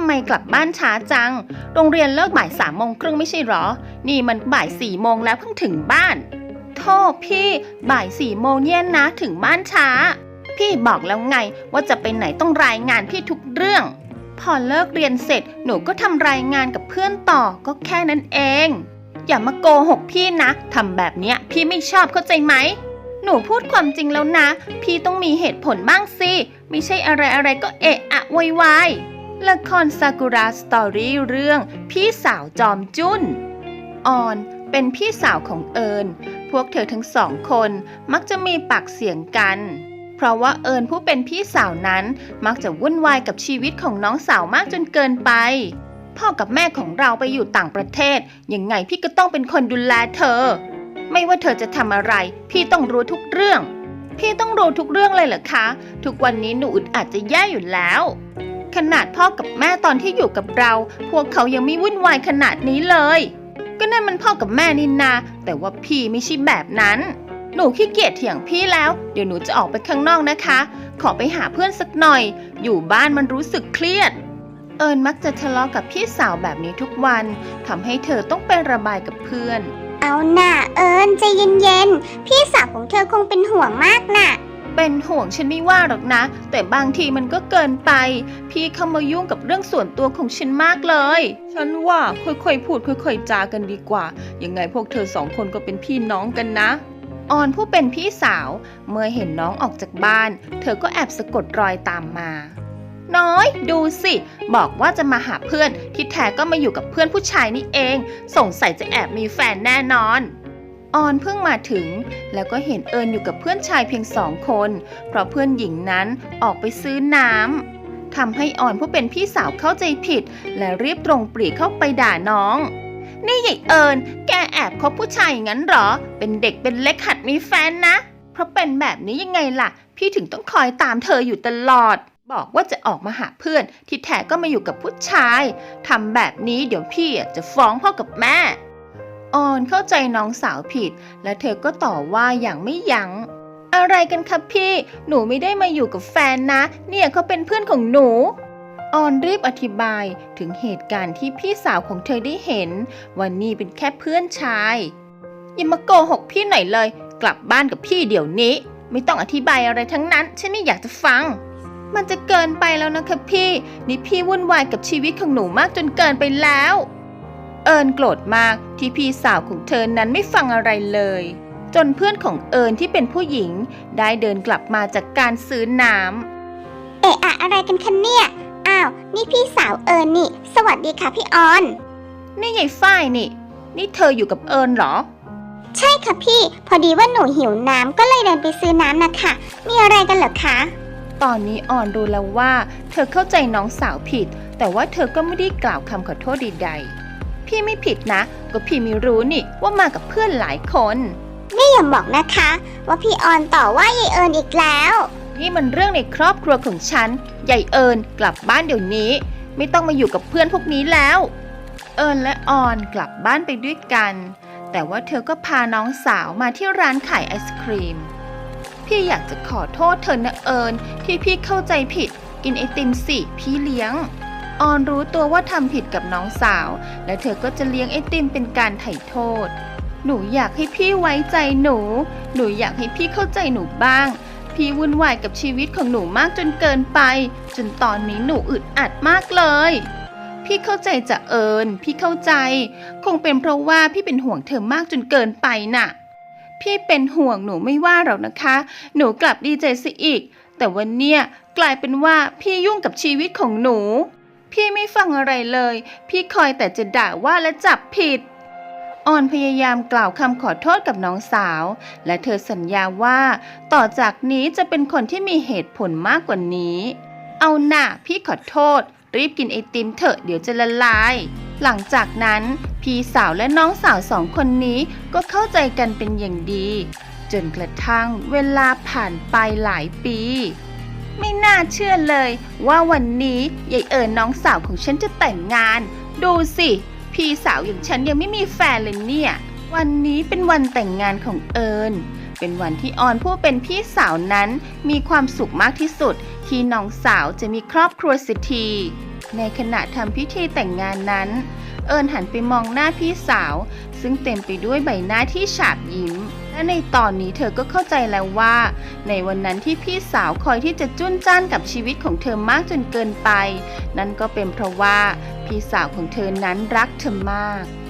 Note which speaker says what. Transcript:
Speaker 1: ไมกลับบ้านช้าจังโรงเรียนเลิกบ่าย3:30ไม่ใช่หรอนี่มันบ่าย4 โมงแล้วเพิ่งถึงบ้านโธ่พี่บ่าย4 โมงเนี่ยนะถึงบ้านช้าพี่บอกแล้วไงว่าจะไปไหนต้องรายงานพี่ทุกเรื่องพอเลิกเรียนเสร็จหนูก็ทำรายงานกับเพื่อนต่อก็แค่นั้นเองอย่ามาโกหกพี่นะทำแบบเนี้ยพี่ไม่ชอบเข้าใจไหมหนูพูดความจริงแล้วนะพี่ต้องมีเหตุผลบ้างสิไม่ใช่อะไรก็เอะอะโวยวายละครซากุระสตอรี่เรื่องพี่สาวจอมจุ้นออนเป็นพี่สาวของเอิญพวกเธอทั้งสองคนมักจะมีปากเสียงกันเพราะว่าเอิญผู้เป็นพี่สาวนั้นมักจะวุ่นวายกับชีวิตของน้องสาวมากจนเกินไปพ่อกับแม่ของเราไปอยู่ต่างประเทศยังไงพี่ก็ต้องเป็นคนดูแลเธอไม่ว่าเธอจะทำอะไรพี่ต้องรู้ทุกเรื่องพี่ต้องรู้ทุกเรื่องเลยเหรอคะทุกวันนี้หนูอึดอัดจะแย่อยู่แล้วขนาดพ่อกับแม่ตอนที่อยู่กับเราพวกเขายังไม่วุ่นวายขนาดนี้เลยก็นั่นมันพ่อกับแม่นี่นาแต่ว่าพี่ไม่ใช่แบบนั้นหนูขี้เกียจเถียงพี่แล้วเดี๋ยวหนูจะออกไปข้างนอกนะคะขอไปหาเพื่อนสักหน่อยอยู่บ้านมันรู้สึกเครียดเอิญมักจะทะเลาะกับพี่สาวแบบนี้ทุกวันทำให้เธอต้องไประบายกับเพื่อน
Speaker 2: เอาน่ะเอิญใจเย็นๆพี่สาวของเธอคงเป็นห่วงมากน่ะ
Speaker 1: เป็นห่วงฉันไม่ว่าหรอกนะแต่บางทีมันก็เกินไปพี่เข้ามายุ่งกับเรื่องส่วนตัวของฉันมากเลยฉันว่าค่อยๆพูดค่อยๆจากันดีกว่ายังไงพวกเธอสองคนก็เป็นพี่น้องกันนะออนผู้เป็นพี่สาวเมื่อเห็นน้องออกจากบ้านเธอก็แอบสะกดรอยตามมาน้อยดูสิบอกว่าจะมาหาเพื่อนที่แท้ก็มาอยู่กับเพื่อนผู้ชายนี่เองสงสัยจะแอบมีแฟนแน่นอนออนเพิ่งมาถึงแล้วก็เห็นเอิญอยู่กับเพื่อนชายเพียง2 คนเพราะเพื่อนหญิงนั้นออกไปซื้อน้ำทำให้ออนผู้เป็นพี่สาวเข้าใจผิดและรีบตรงปรีเข้าไปด่าน้องนี่ใหญ่เอิญแกแอบคบผู้ชายอย่างนั้นหรอเป็นเด็กเป็นเล็กหัดมีแฟนนะเพราะเป็นแบบนี้ยังไงล่ะพี่ถึงต้องคอยตามเธออยู่ตลอดบอกว่าจะออกมาหาเพื่อนที่แท้ก็มาอยู่กับผู้ชายทำแบบนี้เดี๋ยวพี่จะฟ้องพ่อกับแม่ออนเข้าใจน้องสาวผิดและเธอก็ต่อว่าอย่างไม่ยั้งอะไรกันครับพี่หนูไม่ได้มาอยู่กับแฟนนะเนี่ยเขาเป็นเพื่อนของหนูออนรีบอธิบายถึงเหตุการณ์ที่พี่สาวของเธอได้เห็นว่านี่เป็นแค่เพื่อนชายอย่ามาโกหกพี่หน่อยเลยกลับบ้านกับพี่เดี๋ยวนี้ไม่ต้องอธิบายอะไรทั้งนั้นฉันไม่อยากจะฟังมันจะเกินไปแล้วนะคะพี่นี่พี่วุ่นวายกับชีวิตของหนูมากจนเกินไปแล้วเอิญโกรธมากที่พี่สาวของเธอนั้นไม่ฟังอะไรเลยจนเพื่อนของเอิญที่เป็นผู้หญิงได้เดินกลับมาจากการซื้อน้ำ
Speaker 2: เอะอะอะไรกันคะเนี่ยอ้าวนี่พี่สาวเอิญนี่สวัสดีค่ะพี่ออน
Speaker 1: นี่ยายฝ้ายนี่เธออยู่กับเอิญเหรอ
Speaker 2: ใช่ค่ะพี่พอดีว่าหนูหิวน้ำก็เลยเดินไปซื้อน้ำนะคะมีอะไรกันเหรอคะ
Speaker 1: ตอนนี้ออนรู้แล้วว่าเธอเข้าใจน้องสาวผิดแต่ว่าเธอก็ไม่ได้กล่าวคำขอโทษใดๆพี่ไม่ผิดนะก็พี่ไม่รู้นี่ว่ามากับเพื่อนหลายคน
Speaker 2: นี่อย่าบอกนะคะว่าพี่ออนต่อว่ายายเอิญอีกแล้ว
Speaker 1: นี่มันเรื่องในครอบครัวของฉันยายเอิญกลับบ้านเดี๋ยวนี้ไม่ต้องมาอยู่กับเพื่อนพวกนี้แล้วเอิญและออนกลับบ้านไปด้วยกันแต่ว่าเธอก็พาน้องสาวมาที่ร้านขายไอศครีมพี่อยากจะขอโทษเธอนะเอิญที่พี่เข้าใจผิดกินไอติมสิพี่เลี้ยงออนรู้ตัวว่าทำผิดกับน้องสาวและเธอก็จะเลี้ยงไอติมเป็นการไถ่โทษหนูอยากให้พี่ไว้ใจหนูอยากให้พี่เข้าใจหนูบ้างพี่วุ่นวายกับชีวิตของหนูมากจนเกินไปจนตอนนี้หนูอึดอัดมากเลยพี่เข้าใจจะเอิญพี่เข้าใจคงเป็นเพราะว่าพี่เป็นห่วงเธอมากจนเกินไปน่ะพี่เป็นห่วงหนูไม่ว่าหรอกนะคะหนูกลับดีใจซะอีกแต่วันเนี้ยกลายเป็นว่าพี่ยุ่งกับชีวิตของหนูพี่ไม่ฟังอะไรเลยพี่คอยแต่จะด่าว่าและจับผิดออนพยายามกล่าวคำขอโทษกับน้องสาวและเธอสัญญาว่าต่อจากนี้จะเป็นคนที่มีเหตุผลมากกว่านี้เอาหน่าพี่ขอโทษรีบกินไอติมเถอะเดี๋ยวจะละลายหลังจากนั้นพี่สาวและน้องสาว2 คนนี้ก็เข้าใจกันเป็นอย่างดีจนกระทั่งเวลาผ่านไปหลายปีไม่น่าเชื่อเลยว่าวันนี้ยายเอิญน้องสาวของฉันจะแต่งงานดูสิพี่สาวอย่างฉันยังไม่มีแฟนเลยเนี่ยวันนี้เป็นวันแต่งงานของเอิญเป็นวันที่ออนผู้เป็นพี่สาวนั้นมีความสุขมากที่สุดที่น้องสาวจะมีครอบครัวเสียทีในขณะทำพิธีแต่งงานนั้น เอิญหันไปมองหน้าพี่สาวซึ่งเต็มไปด้วยใบหน้าที่ฉาบยิ้มและในตอนนี้เธอก็เข้าใจแล้วว่าในวันนั้นที่พี่สาวคอยที่จะจุ้นจ้านกับชีวิตของเธอมากจนเกินไปนั่นก็เป็นเพราะว่าพี่สาวของเธอนั้นรักเธอมาก